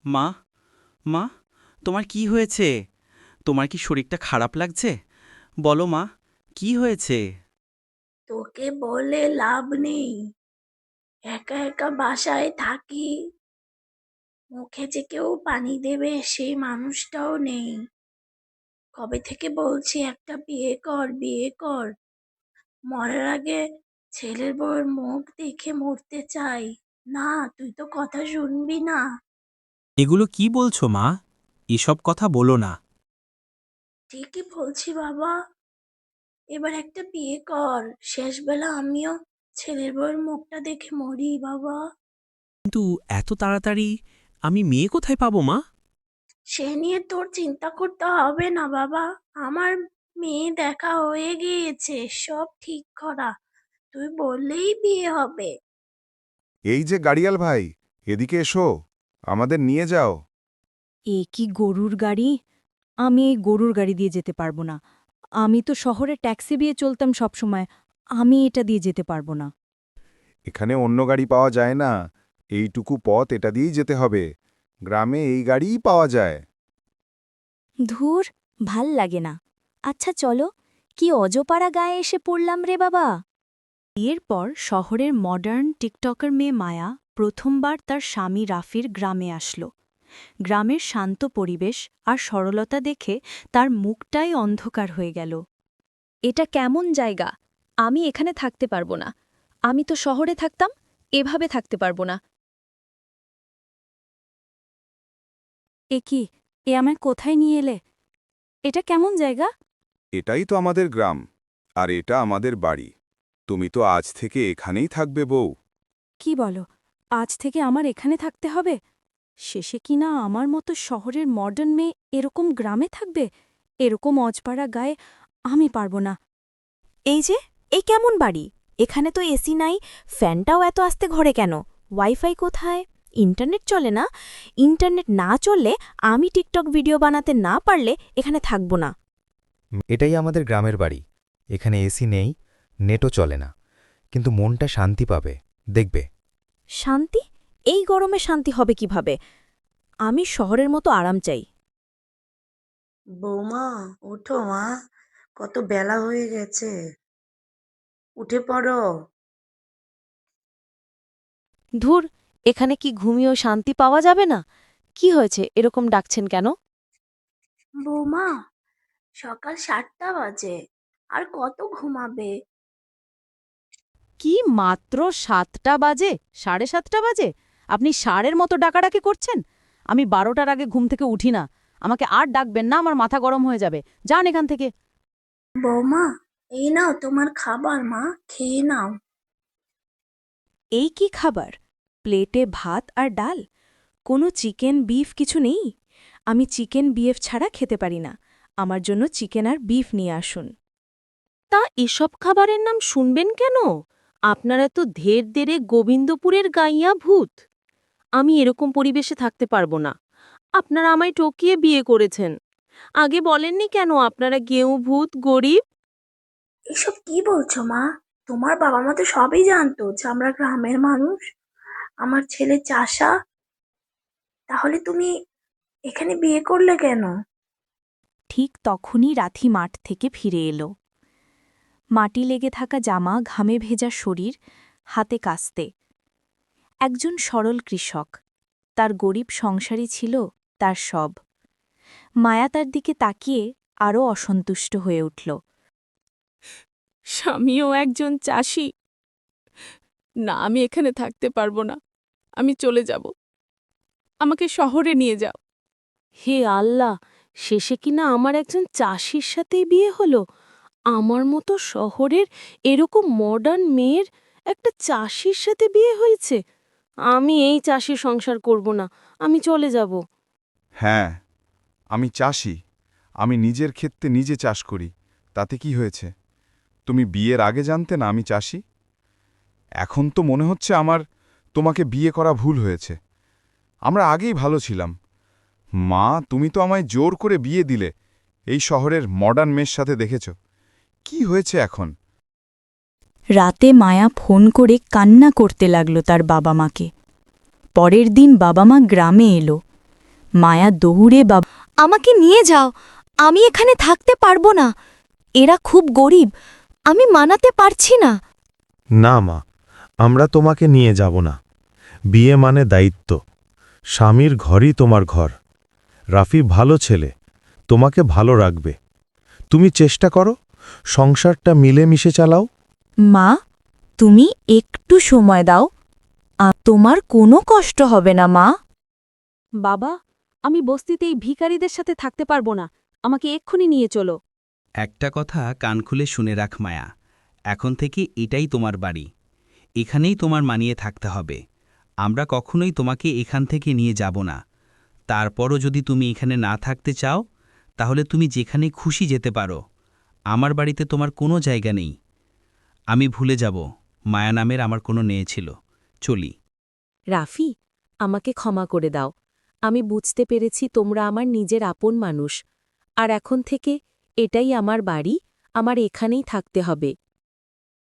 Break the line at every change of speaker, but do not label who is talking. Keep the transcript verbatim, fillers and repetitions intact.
মা, মা, তোমার কি হয়েছে? তোমার কি শরীরটা খারাপ লাগছে? বলো মা, কি হয়েছে?
তোকে বলে লাভ নেই। একা একা বাসায় থাকি, মুখে যে কেউ পানি দেবে সেই মানুষটাও নেই। কবে থেকে বলছি একটা বিয়ে কর, বিয়ে কর। মরার আগে ছেলের বউয়ের মুখ দেখে মরতে চাই। না, তুই তো কথা শুনবি না।
এগুলো কি বলছো মা? এসব কথা বলো না।
ঠিকই বলছি বাবা, এবার একটা বিয়ে কর। শেষবেলা আমিও ছেলের বউয়ের মুখটা দেখে মরি বাবা।
কিন্তু এত তাড়াতাড়ি আমি মেয়ে কোথায় পাবো মা?
সে নিয়ে তোর চিন্তা করতে হবে না বাবা। আমার মেয়ে দেখা হয়ে গিয়েছে, সব ঠিক করা। তুই বললেই বিয়ে হবে।
এই যে গাড়িয়াল ভাই, এদিকে এসো, আমাদের নিয়ে যাও।
এ কি গরুর গাড়ি? আমি এই গরুর গাড়ি দিয়ে যেতে পারবো না। আমি তো শহরে ট্যাক্সি দিয়ে চলতাম সবসময়। আমি এটা দিয়ে যেতে পারবো না।
এখানে অন্য গাড়ি পাওয়া যায় না, এইটুকু পথ এটা দিয়েই যেতে হবে। গ্রামে এই গাড়িই পাওয়া যায়।
ধুর, ভাল লাগে না। আচ্ছা চলো, কি অজপাড়া গায়ে এসে পড়লাম রে বাবা। বিয়ের পর শহরের মডার্ন টিকটকার মেয়ে মায়া প্রথমবার তার স্বামী রাফির গ্রামে আসলো। গ্রামের শান্ত পরিবেশ আর সরলতা দেখে তার মুখটাই অন্ধকার হয়ে গেল। এটা কেমন জায়গা? আমি এখানে থাকতে পারবো না। আমি তো শহরে থাকতাম, এভাবে থাকতে পারবো না। এ কি? এ আমায় কোথায় নিয়ে এলে? এটা কেমন জায়গা?
এটাই তো আমাদের গ্রাম, আর এটা আমাদের বাড়ি। তুমি তো আজ থেকে এখানেই থাকবে বউ।
কি বলো, আজ থেকে আমার এখানে থাকতে হবে? শেষে কি না আমার মতো শহরের মডার্ন মেয়ে এরকম গ্রামে থাকবে? এরকম অজপাড়া গায়ে আমি পারবো না। এই যে, এই কেমন বাড়ি? এখানে তো এসি নাই, ফ্যানটাও এত আস্তে ঘরে কেন? ওয়াইফাই কোথায়? ইন্টারনেট চলে না? ইন্টারনেট না চললে, আমি টিকটক ভিডিও বানাতে না পারলে এখানে থাকবো না।
এটাই আমাদের গ্রামের বাড়ি। এখানে এসি নেই, নেটও চলে না, কিন্তু মনটা শান্তি পাবে, দেখবে।
শান্তি? এই গরমে শান্তি হবে কিভাবে? আমি শহরের মতো আরাম চাই।
বৌমা, ওঠো মা, কত বেলা হয়ে গেছে। উঠে পড়ো।
ধুর, এখানে কি ঘুমিয়েও শান্তি পাওয়া যাবে না? কি হয়েছে, এরকম ডাকছেন কেন?
বৌমা, সকাল সাতটা বাজে, আর কত ঘুমাবে?
কি মাত্র সাতটা বাজে? সাড়ে সাতটা বাজে? আপনি ষাঁড়ের মতো ডাকাডাকি করছেন? আমি বারোটার আগে ঘুম থেকে উঠি না। আমাকে আর ডাকবেন না, আমার মাথা গরম হয়ে যাবে। যান এখান থেকে।
বৌমা, এই নাও তোমার খাবার, মা খেয়ে নাও।
এই কি খাবার? প্লেটে ভাত আর ডাল? কোনো চিকেন বিফ কিছু নেই? আমি চিকেন বিএফ ছাড়া খেতে পারি না। আমার জন্য চিকেন আর বিফ নিয়ে আসুন।
তা এসব খাবারের নাম শুনবেন কেন? আপনারা তো ধের দেরে গোবিন্দপুরের গাইয়া ভূত। আমি এরকম পরিবেশে থাকতে পারবো না। আপনারা আমায় টকিয়ে বিয়ে করেছেন। আগে বলেননি কেন আপনারা গেঁয়ো ভূত, গরিব?
এসব কি বলছো মা? তোমার বাবা মা তো সবই জানতো যে আমরা গ্রামের মানুষ। আমার ছেলে চাষা। তাহলে তুমি এখানে বিয়ে করলে কেন?
ঠিক তখনই রাথি মাঠ থেকে ফিরে এলো। মাটি লেগে থাকা জামা, ঘামে ভেজা শরীর, হাতে কাস্তে। একজন সরল কৃষক। তার গরিব সংসারই ছিল তার সব। মায়া তার দিকে তাকিয়ে আরও অসন্তুষ্ট হয়ে উঠল।
স্বামীও একজন চাষি। না, আমি এখানে থাকতে পারবো না। আমি চলে যাব। আমাকে শহরে নিয়ে যাও।
হে আল্লাহ, শেষে কিনা আমার একজন চাষির সাথেই বিয়ে হলো। আমার মতো শহরের এরকম মডার্ন মেয়ের একটা চাষির সাথে বিয়ে হয়েছে। আমি এই চাষির সংসার করব না, আমি চলে যাব।
হ্যাঁ, আমি চাষি। আমি নিজের ক্ষেত্রে নিজে চাষ করি, তাতে কি হয়েছে? তুমি বিয়ের আগে জানতে না আমি চাষি? এখন তো মনে হচ্ছে আমার তোমাকে বিয়ে করা ভুল হয়েছে। আমরা আগেই ভালো ছিলাম। মা, তুমি তো আমায় জোর করে বিয়ে দিলে এই শহরের মডার্ন মেয়ের সাথে, দেখেছ কি হয়েছে এখন?
রাতে মায়া ফোন করে কান্না করতে লাগল তার বাবা মাকে। পরের দিন বাবা মা গ্রামে এলো। মায়া দৌড়ে বাবা আমাকে নিয়ে যাও, আমি এখানে থাকতে পারবো না। এরা খুব গরিব, আমি মানাতে পারছি না।
না মা, আমরা তোমাকে নিয়ে যাব না। বিয়ে মানে দায়িত্ব। স্বামীর ঘরই তোমার ঘর। রাফি ভালো ছেলে, তোমাকে ভালো রাখবে। তুমি চেষ্টা করো, সংসারটা মিলেমিশে চালাও।
মা, তুমি একটু সময় দাও, আ- তোমার কোনো কষ্ট হবে না মা।
বাবা, আমি বস্তিতে এই ভিখারিদের সাথে থাকতে পারবো না, আমাকে এক্ষুনি নিয়ে চলো।
একটা কথা কান খুলে শুনে রাখ মায়া, এখন থেকে এটাই তোমার বাড়ি, এখানেই তোমার মানিয়ে থাকতে হবে। আমরা কখনোই তোমাকে এখান থেকে নিয়ে যাব না। তারপরও যদি তুমি এখানে না থাকতে চাও, তাহলে তুমি যেখানে খুশি যেতে পারো। আমার বাড়িতে তোমার কোনো জায়গা নেই। আমি ভুলে যাব মায়া নামের আমার কোনো মেয়ে ছিল। চলি।
রাফি, আমাকে ক্ষমা করে দাও। আমি বুঝতে পেরেছি তোমরা আমার নিজের আপন মানুষ, আর এখন থেকে এটাই আমার বাড়ি, আমার এখানেই থাকতে হবে।